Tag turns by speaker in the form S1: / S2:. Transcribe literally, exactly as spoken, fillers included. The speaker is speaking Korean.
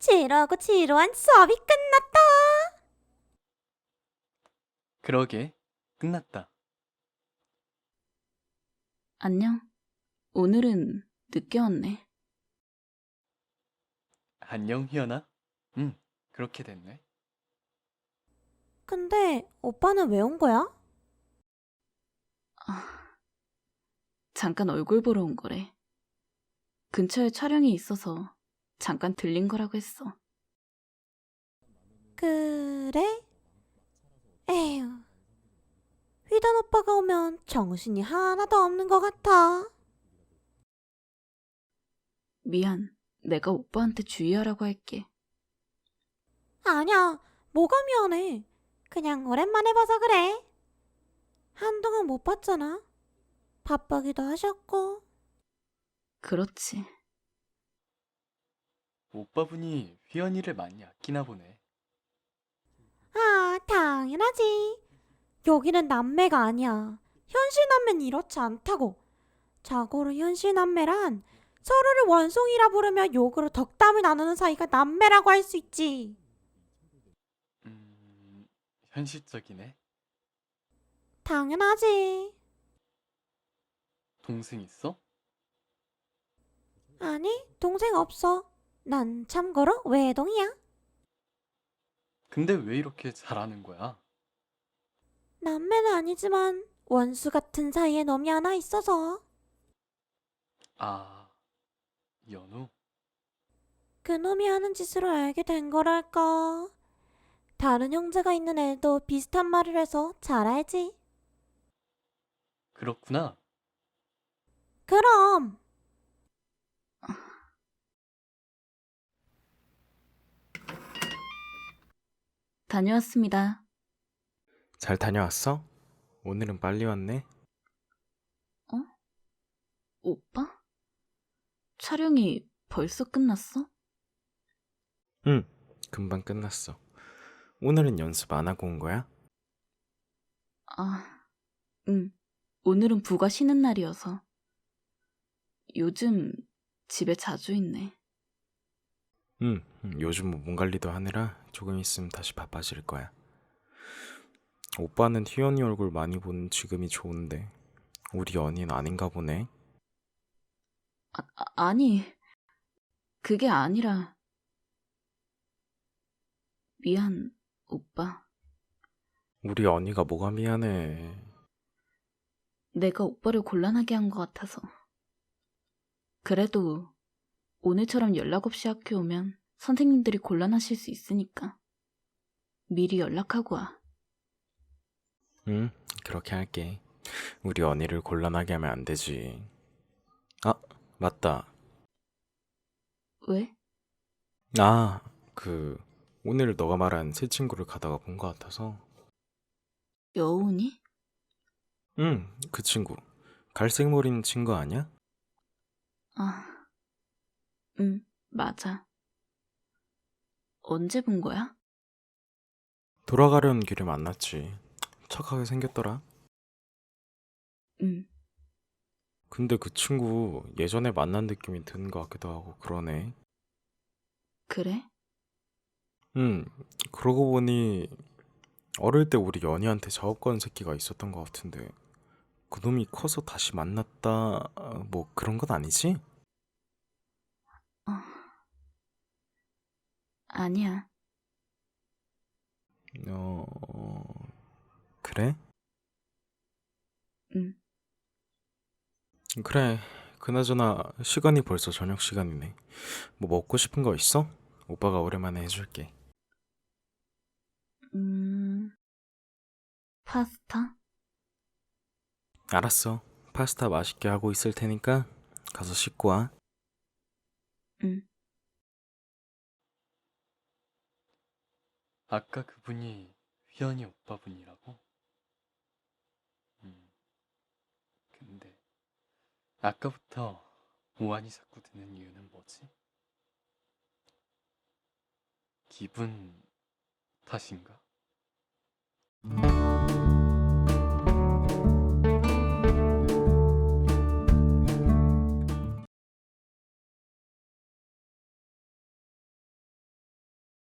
S1: 지루하고 지루한 수업이 끝났다.
S2: 그러게, 끝났다.
S3: 안녕. 오늘은 늦게 왔네.
S2: 안녕, 희연아. 응, 그렇게 됐네.
S1: 근데 오빠는 왜 온 거야?
S3: 아, 잠깐 얼굴 보러 온 거래. 근처에 촬영이 있어서 잠깐 들린 거라고 했어.
S1: 그래? 에휴, 휘단 오빠가 오면 정신이 하나도 없는 것 같아.
S3: 미안. 내가 오빠한테 주의하라고 할게.
S1: 아니야, 뭐가 미안해. 그냥 오랜만에 봐서 그래. 한동안 못 봤잖아. 바쁘기도 하셨고.
S3: 그렇지.
S2: 오빠분이 휘연이를 많이 아끼나 보네.
S1: 아, 당연하지. 여기는 남매가 아니야. 현실 남매는 이렇지 않다고. 자고로 현실 남매란 서로를 원숭이라 부르며 욕으로 덕담을 나누는 사이가 남매라고 할 수 있지.
S2: 음, 현실적이네.
S1: 당연하지.
S2: 동생 있어?
S1: 아니, 동생 없어. 난 참고로 외동이야.
S2: 근데 왜 이렇게 잘하는 거야?
S1: 남매는 아니지만 원수 같은 사이에 놈이 하나 있어서.
S2: 아, 연우?
S1: 그 놈이 하는 짓으로 알게 된 거랄까. 다른 형제가 있는 애도 비슷한 말을 해서 잘 알지.
S2: 그렇구나.
S1: 그럼.
S3: 다녀왔습니다.
S4: 잘 다녀왔어? 오늘은 빨리 왔네?
S3: 어? 오빠? 촬영이 벌써 끝났어?
S4: 응, 금방 끝났어. 오늘은 연습 안 하고 온 거야?
S3: 아, 응. 오늘은 부가 쉬는 날이어서. 요즘 집에 자주 있네.
S4: 응, 응, 요즘 뭐 몸 관리도 하느라 조금 있으면 다시 바빠질 거야. 오빠는 희연이 얼굴 많이 보는 지금이 좋은데 우리 연인 아닌가 보네.
S3: 아, 아, 아니, 그게 아니라. 미안, 오빠.
S4: 우리 연이가 뭐가 미안해.
S3: 내가 오빠를 곤란하게 한 것 같아서. 그래도 오늘처럼 연락 없이 학교 오면 선생님들이 곤란하실 수 있으니까 미리 연락하고 와.
S4: 응, 그렇게 할게. 우리 연이를 곤란하게 하면 안 되지. 아, 맞다.
S3: 왜?
S4: 아, 그 오늘 너가 말한 새 친구를 가다가 본 것 같아서.
S3: 여운이?
S4: 응, 그 친구. 갈색 머리는 친구 아니야?
S3: 아, 응, 맞아. 언제 본 거야?
S4: 돌아가려는 길에 만났지. 착하게 생겼더라.
S3: 응,
S4: 근데 그 친구 예전에 만난 느낌이 드는 것 같기도 하고 그러네.
S3: 그래?
S4: 응, 그러고 보니 어릴 때 우리 연희한테 작업건 새끼가 있었던 것 같은데 그놈이 커서 다시 만났다 뭐 그런 건 아니지?
S3: 어, 아니야.
S4: 어... 그래?
S3: 응,
S4: 그래. 그나저나 시간이 벌써 저녁 시간이네. 뭐 먹고 싶은 거 있어? 오빠가 오랜만에 해줄게.
S3: 음, 파스타?
S4: 알았어. 파스타 맛있게 하고 있을 테니까 가서 씻고 와.
S3: 응,
S2: 아까 그분이 휘연이 오빠분이라고? 음, 근데 아까부터 오한이 자꾸 드는 이유는 뭐지? 기분 탓인가?